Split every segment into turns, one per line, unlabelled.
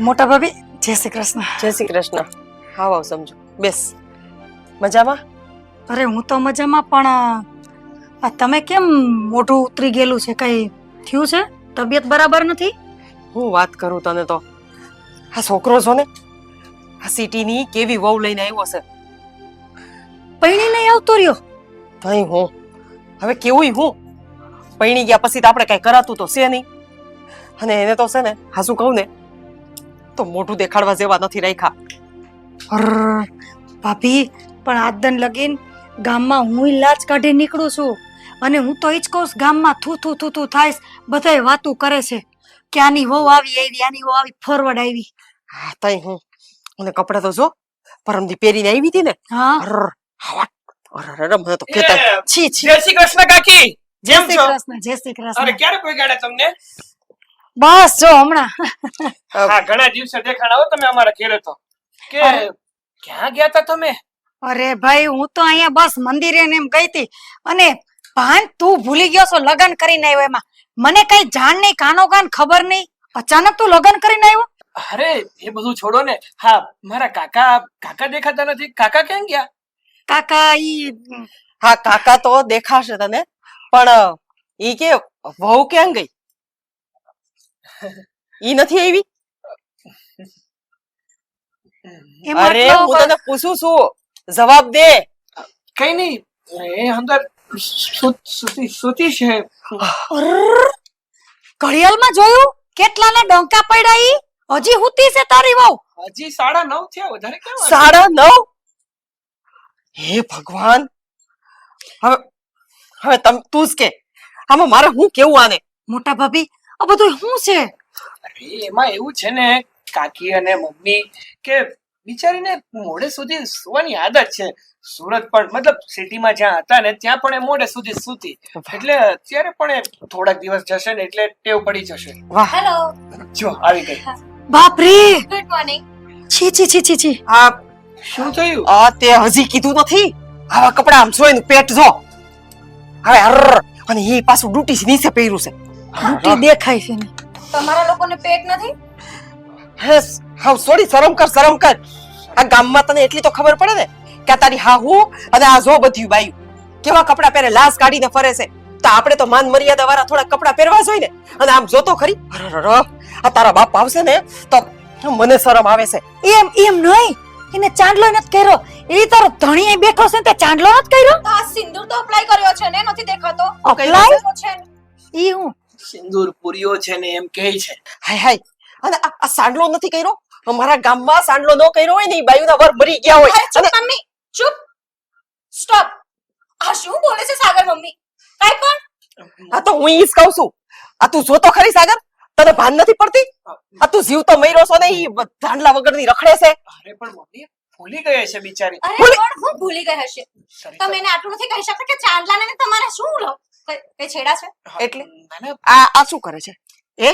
મોટા ભાભી જય શ્રી કૃષ્ણ.
જય શ્રી કૃષ્ણ. આવો સમજો, બેસ. મજામાં?
અરે હું તો મજામાં, પણ આ તમે કેમ મોઢું ઉતરી ગયેલું છે? કઈ થયું છે? તબિયત બરાબર નથી?
હું વાત કરું તને તો. આ છોકરો છો ને, આ સિટીની કેવી વહુ લઈને આવ્યો છે.
પૈણી નહીં આવતો રહ્યો.
તઈ હું હવે કેવું હું પૈણી ગયા પછી તો આપણે કઈ કરાતું તો છે નહીં. અને એને તો છે ને, હાસું કહું ને તો મોઢું દેખાડવા જેવા નથી રાખ્યા.
અરર, ભાભી પણ આજદન લગીન ગામમાં હું લાજ કાઢી નીકળું છું, અને હું તો ઈ જ કહું છું, ગામમાં થૂ થૂ થૂ થૂ થાય, બધાય વાતું કરે છે કે આની વહુ આવી આની વહુ આવી ફોરવર્ડ આવી.
હા તઈ હું અને કપડા તો જો પરમદી પહેરીને આવી હતી ને.
હા,
અરર, આવા અરર મને તો કેતા છી છી.
જય શ્રી કૃષ્ણ કાકી.
જય
જેમ
શ્રી
છો?
કૃષ્ણ, જય શ્રી
અરે
કૃષ્ણ.
ક્યારે પહોંચાડ્યા તમને?
બસ જો હમણાં.
હા, ઘણા દિવસે દેખાણા હો તમે અમારા ઘરે તો. કે ક્યાં ગયા તા તમે?
અરે ભાઈ, હું તો અહીંયા બસ મંદિરે ને એમ ગઈ હતી, અને ભાન તું ભૂલી ગયો છો લગ્ન કરીને આવ્યો એમાં. મને કઈ જાણ નહીં, કાનો કાન ખબર નહીં, અચાનક તું લગ્ન કરીને આવ્યો.
અરે એ બધું છોડો ને. હા, મારા કાકા દેખાતા નથી. કાકા ક્યાં ગયા?
કાકા ઈ
હા કાકા તો દેખાશે તને, પણ ઈ કે વહુ ક્યાં ગઈ? ઈ નથી આવી?
એમાં
અરે
તો
હું તને પૂછું છું, જવાબ દે.
કઈ નહીં, એ અંદર સુતી છે.
અરર, ઘડિયાળમાં જોયું કેટલાને ડોંકા પડ્યા ઈ? હજી હુતી છે તારી વહુ?
હજી 9:30 થયા, વધારે કેમ?
9:30? હે ભગવાન. હવે હવે તું જ કે આમાં મારે હું કેવું આને?
મોટા ભાભી, આ બધું શું છે?
અરે એમાં એવું છે ને કાકી અને મમ્મી, કે બિચારીને મોડે સુધી સુવાની આદત છે. સુરત પણ મતલબ સિટીમાં જ્યાં હતા ને ત્યાં પણ એ મોડે સુધી સૂતી, એટલે અત્યારે પણ એ થોડાક દિવસ જશે ને એટલે ટેવ પડી જશે.
વાહ.
હેલો,
જો આવી ગઈ.
બાપ રે,
ગુડ મોર્નિંગ.
છી છી છી છી છી.
આ
શું થયું?
આ તે હજી કીધું નથી? આવા કપડા આમ જોઈને પેટ જો. હવે અરર, અને એ પાછું ડૂટી નીચે પહેર્યું છે.
ડૂટી દેખાય છે ને.
તમારા લોકોને પેટ નથી?
હેસ, હાવ સોરી, શરમ કર શરમ કર. આ ગામમાં તને એટલી તો ખબર પડે ને કે આ તારી હાહુ અને આ જો બધું બાયું કેવા કપડા પહેરે, લાશ કાઢીને ફરે છે. તો આપણે તો માન મર્યાદા વાળા થોડા કપડા પહેરવા જોઈએ ને. અને આમ જોતો ખરી, અરર, આ તારા બાપ આવશે ને તો મને શરમ આવે છે.
એમ એમ નહીં, એને ચાંદલો નથી કર્યો, એ તારો ધણી બેઠો છે ને તે ચાંદલો નથી કર્યો.
તો આ સિંદૂર તો અપ્લાય કર્યો છે ને, નથી દેખાતો?
અપ્લાય
તો છે ને.
ઈ હું
સિંદૂર પૂર્યો છે ને એમ કહે છે.
હાય હાય. અને આ સાંડલો નથી કર્યો? અમારા ગામમાં સાંડલો ન કર્યો હોય ને ઈ બાયુના વર મરી ગયા હોય.
અરે ચૂપ મમ્મી, ચૂપ, સ્ટોપ. આ શું બોલે છે સાગર મમ્મી? કાઈ પણ
આ તો હું ઈ જ કહું છું. આ તું જોતો ખરી સાગર, તને ભાન નથી પડતી? આ તું જીવ તો મર્યો છો ને ઈ ધાંડલા વગરની રખડે છે.
અરે પણ મમ્મી ભૂલી ગઈ છે બિચારી.
અરે પણ હું ભૂલી ગઈ હશે.
સરિતા,
તમે એને આટલું નથી કહી શકતા કે ચાંદલાને ને તમારે શું લો કઈ છેડા છે?
એટલે
ના, ના,
આ શું કરે છે?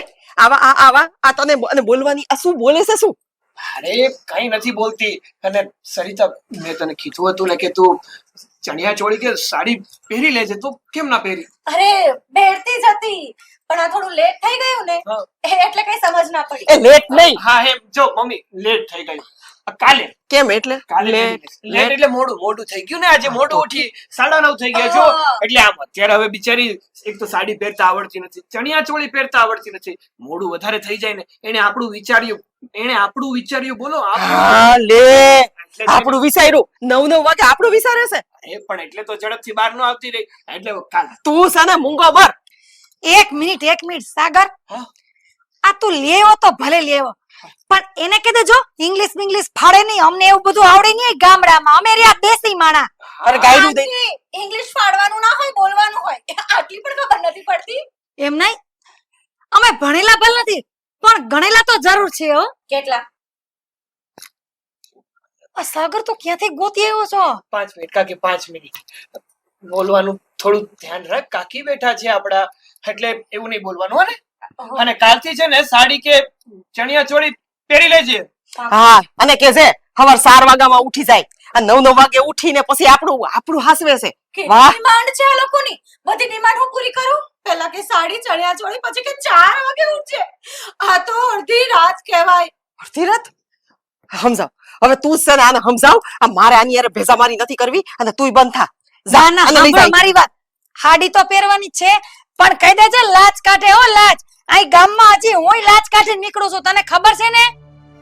આવા આ તને અને બોલવાની આ શું બોલે છે શું?
અરે કઈ નથી બોલતી. અને સરિતા, મેં તને કીધું હતું ને કે તું ચણિયા ચોળી કે સાડી પહેરી લેજે, તું કેમ ના પહેરી?
અરે બેડતી જ હતી, પણ આ થોડું લેટ થઈ ગયું ને
હા.
એટલે કઈ સમજ ના પડી.
એ લેટ નહીં.
હા એમ જો મમ્મી, લેટ થઈ ગયું. કાલે
કેમ એટલે?
કાલે લેટ એટલે મોડું થઈ ગયું ને. આજે મોડું ઉઠી 9:30 થઈ ગયા જો.
હા.
એટલે આમ અત્યારે હવે બિચારી એક તો સાડી પહેરતા આવડતી નથી, ચણિયા ચોળી પહેરતા આવડતી નથી. મોડું વધારે થઈ જાય ને એને આપણું વિચાર્યું બોલો.
હા લે, આપણું વિચાર્યું 9 વાગે આપણું વિચારે છે.
એ પણ એટલે તો ઝડપથી બહાર ન આવતી રહી. એટલે કાલે
તું છે ને મૂંગો મર.
એક મિનિટ સાગર,
હા?
આ તું લેવો તો ભલે લેવો, પણ એને કહી દેજો ઇંગ્લિશ ફાડે નહીં. અમને એવું બધું આવડે નહીં ગામડામાં, અમે રહ્યા દેશી માણા.
અરે ગાયડું દે.
ઇંગ્લિશ ફાડવાનું ના હોય, બોલવાનું હોય. આટલી પણ ખબર નથી પડતી.
એમ નહીં, અમે ભણેલા ભલે નથી, પણ ગણેલા તો જરૂર છે હો.
કેટલા?
આ સાગર તો ક્યાંથી ગોતી આવ્યો છો?
5 મિનિટ કાકી, 5 મિનિટ બોલવાનું થોડું ધ્યાન રાખ. કાકી બેઠા છે આપડા, એટલે એવું નહીં બોલવાનું. હો ને. અને કાલથી છે ને સાડી કે ચણિયા ચોળી પહેરી લેજે.
હા, અને કે છે સવાર 4 વાગ્યામાં ઉઠી જાય, આ 9 વાગે ઉઠીને પછી આપણું હાસવે છે.
કેટલી ડિમાન્ડ છે આ લોકોની? બધી ડિમાન્ડ હું પૂરી કરું? પહેલા કે સાડી ચણિયા ચોળી, પછી કે 4 વાગે ઉઠજે. આ તો અડધી રાત કહેવાય.
અડધી રાત સમજાવ હવે તું જ છે ને આને સમજાવ આ મારે આની યાર ભેજા મારી નથી કરવી અને તુંય બંધ થા જા
ના
આને લઈ
સાંભળો
જાય
મારી વાત હાડી તો પહેરવાની જ છે પણ કહી દેજે લાજ કાઢે હો લાજ અહીં ગામમાં હજી હુંય લાજ કાઢી નીકળું છું તને ખબર છે ને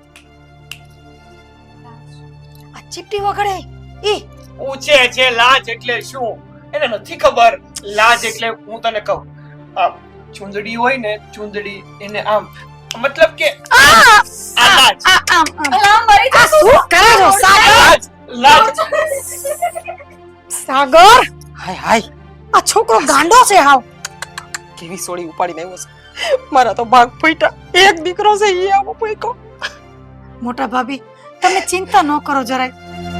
આ ચીપટી વગડે ઈ
પૂછે છે લાજ એટલે શું એને નથી ખબર લાજ એટલે હું તને કહું આ ચૂંદડી હોય ને ચૂંદડી એને આમ મતલબ કે આ લાજ
આમ
અલા મરી જા તું.
શું કરે છો સાગર
લાજ
સાગર
હાય હાય
આ છોકરો ગાંડો છે હાવ
કેવી સોળી ઉપાડીને આવ્યો છે મારા તો ભાગ ફૂટ્યા એક દીકરો છે ઈ આવો ફૂટ્યો
મોટા ભાભી તમે ચિંતા ન કરો જરાય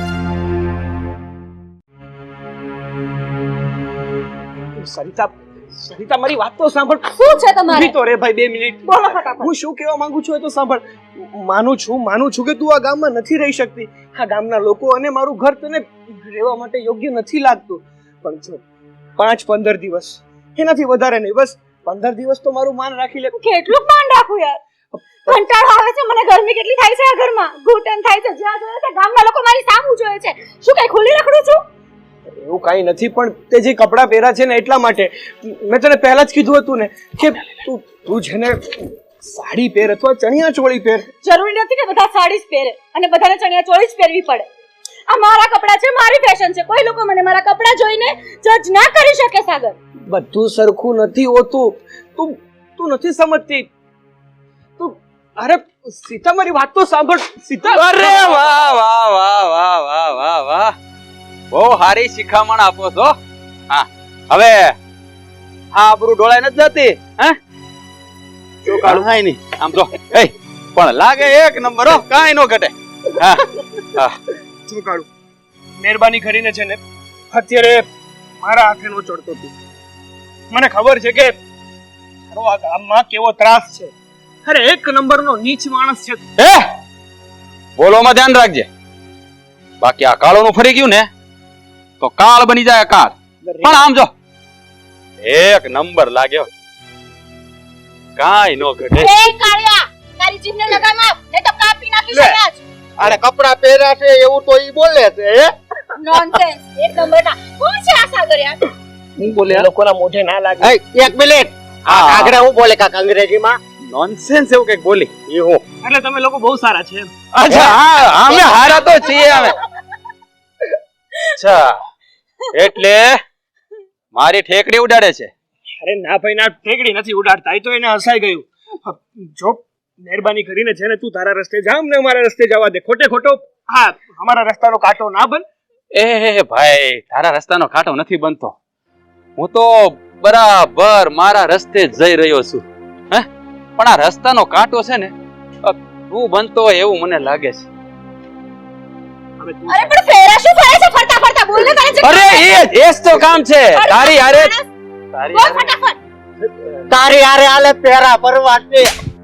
સરિતા મારી વાત તો સાંભળ
શું છે તમારે
ઊભી તો રે ભાઈ 2 મિનિટ
બોલો ફટાફટ.
હું શું કહેવા માંગુ છું એ તો સાંભળ માનું છું કે તું આ ગામમાં નથી રહી શકતી આ ગામના લોકો અને મારું ઘર તને રહેવા માટે યોગ્ય નથી લાગતું પણ જો 5-15 દિવસ એનાથી વધારે નહીં બસ 15 દિવસ તો મારું માન રાખી લે
કેટલું માન રાખું યાર કંટાળો આવે છે મને ગરમી કેટલી થાય છે આ ઘરમાં ઘૂંટણ થાય છે જ્યાં જોઈએ છે ગામના લોકો મારી સામું જોયે છે શું કઈ ખુલ્લી રખડું છું
એવું કાંઈ નથી પણ તે જે કપડાં પહેર્યા છે ને એટલા માટે મેં તને પહેલા જ કીધું હતું ને કે તું જેને સાડી પહેર અથવા ચણિયા ચોળી પહેર
જરૂરી નથી કે બધા સાડી જ પહેરે અને બધાને ચણિયા ચોળી જ પહેરવી પડે આ મારા કપડાં છે મારી ફેશન છે કોઈ લોકો મને મારા કપડાં જોઈને જજ ના કરી શકે સાગર
બધું સરખું નથી હોતું તું નથી સમજતી તું અરે સીતા મારી વાત તો સાંભળ સીતા
અરે વાહ વાહ વાહ વાહ વાહ વાહ વાહ બહુ સારી શિખામણ આપો છો હા હવે હા આબરૂ ડોળાઈ નથી જતી હે જો કાઢાય નહીં આમ તો એ પણ લાગે એક નંબર હો કાંઈ નો ઘટે હા હા
શું કાઢું મહેરબાની કરીને છે ને અત્યારે મારા હાથે નો ચડતો તું મને ખબર છે કે તારો આ ગામમાં કેવો ત્રાસ છે અરે એક નંબરનો નીચ માણસ છે
એ બોલોમાં ધ્યાન રાખજે બાકી આ કાળોનું ફરી ગયું ને તો કાળ બની જાય કાળ પણ આમ જો એક નંબર લાગ્યો કાંઈ નો ઘટે
એ કાળિયા તારી જીભને લગામ આપ નહીં તો કાપી નાખીશ
લે.
આજ
આને કપડા પહેર્યા છે એવું તો ઈ બોલે છે હે
નોનસેન્સ એક નંબરના કોણ છે આ સાગર યાર
હું બોલે લોકોના મોઢે ના લાગે
એક મિનિટ આ કાગડા હું બોલે કાક અંગ્રેજીમાં નોનસેન્સ એવું કઈક બોલી ઈ હું
એટલે તમે લોકો બહુ સારા છે એમ.
અચ્છા હા અમે હારા તો છીએ અમે અચ્છા એટલે મારી ઠેકડી ઉડાડે છે
અરે ના ભાઈ ના ઠેકડી નથી ઉડાડતા એ તો એને હસાઈ ગયું જો મહેરબાની કરીને છે ને તું તારા રસ્તે જા અમને અમારા રસ્તે જવા દે ખોટે ખોટો હા અમારા રસ્તાનો કાંટો ના બન
એ ભાઈ તારા રસ્તાનો કાંટો નથી બનતો હું તો બરાબર મારા રસ્તે જ જઈ રહ્યો છું હે પણ આ રસ્તાનો કાંટો છે ને તું બનતો હોય એવું મને લાગે છે
હવે તું
અરે પણ ફેરા શું ફરે છે ફરતા ફરતા બોલ ને તારે જે
અરે એ જ તો કામ છે તારી હારે તારી
બોલ
હારે
ફટાફટ
તારી હારે આલે પહેરા પરવા છે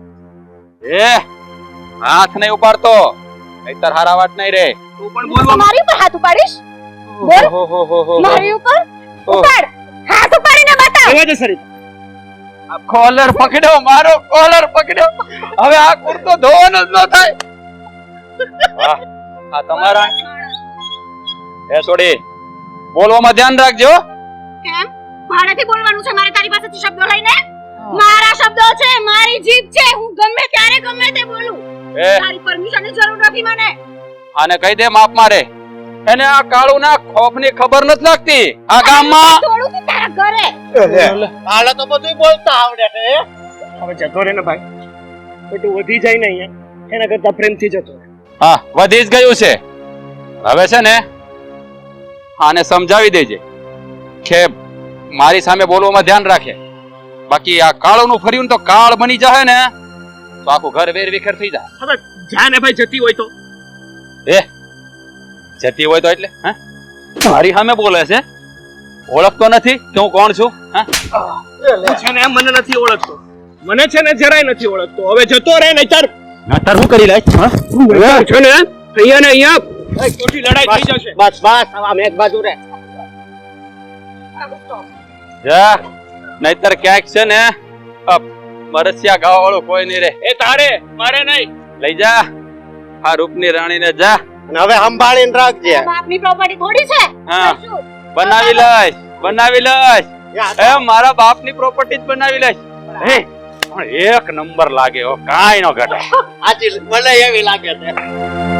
એ હાથ નહીં ઉપાડતો નહીતર હારા વાત નહીં રે
તું પણ બોલવા
મારી ઉપર હાથ ઉપાડીશ બોલ
હો હો હો હો
મારી ઉપર ઉપાડ હાથ ઉપાડીને બતાવ
રહેવા દે સરિતા
આ કોલર પકડ્યો મારો કોલર પકડ્યો હવે આ કુર્તો ધોવાનો જ ન થાય વાહ આ તમારા એ છોડી બોલવામાં ધ્યાન રાખજો
કેમ ભાડેથી બોલવાનું છે મારે તારી પાસેથી શબ્દો લઈને મારા શબ્દો છે મારી જીભ છે હું ગમે ત્યારે ગમે તે બોલું
એ
તારી પરમિશનની જરૂર નથી મને
આને કહી દે માપ મારે એને આ કાળુના ખોફની ખબર નથી લાગતી આ ગામમાં
થોડું કે તારા ઘરે
હાલે તો બધું બોલતા આવડે છે
હવે જતો રે ને ભાઈ ખોટું વધી જાય ને અહીંયા એના કરતા પ્રેમથી જતો રહે.
હા વધી જ ગયું છે હવે છે ને આને સમજાવી દેજે કે મારી સામે બોલવામાં ધ્યાન રાખે બાકી આ કાળોનું ફર્યું ને તો કાળ બની જાય ને તો આખું ઘર વેર વિખેર થઈ જાય
હવે જા ને ભાઈ જતી હોય તો
એ જતી હોય તો એટલે હે મારી સામે બોલે છે ઓળખતો નથી કે હું કોણ છું હા
તું છે ને મને નથી ઓળખતો મને છે ને જરાય નથી ઓળખતો હવે જતો રહે નહીતર
નતર હું કરી લાય હા
છે ને અહીંયા ને અહીંયા ખોટી લડાઈ થઈ જશે
બસ બસ આમ એક બાજુ રે જા નહીતર ક્યાંક છે ને મરસિયા ગાવા વાળું કોઈ નહીં રે
એ તારે મારે નહીં
લઈ જા આ રૂપની રાણીને જા.
અને હવે સંભાળીને રાખજે.
બાપની પ્રોપર્ટી થોડી છે.
હા.
કરશું.
બનાવી લઈશ બનાવી લઈશ. એ મારા બાપની પ્રોપર્ટી જ બનાવી લઈશ. હે પણ એક નંબર લાગે હો, કાંઈ ન ઘટે.
આજી મને એવી લાગે છે.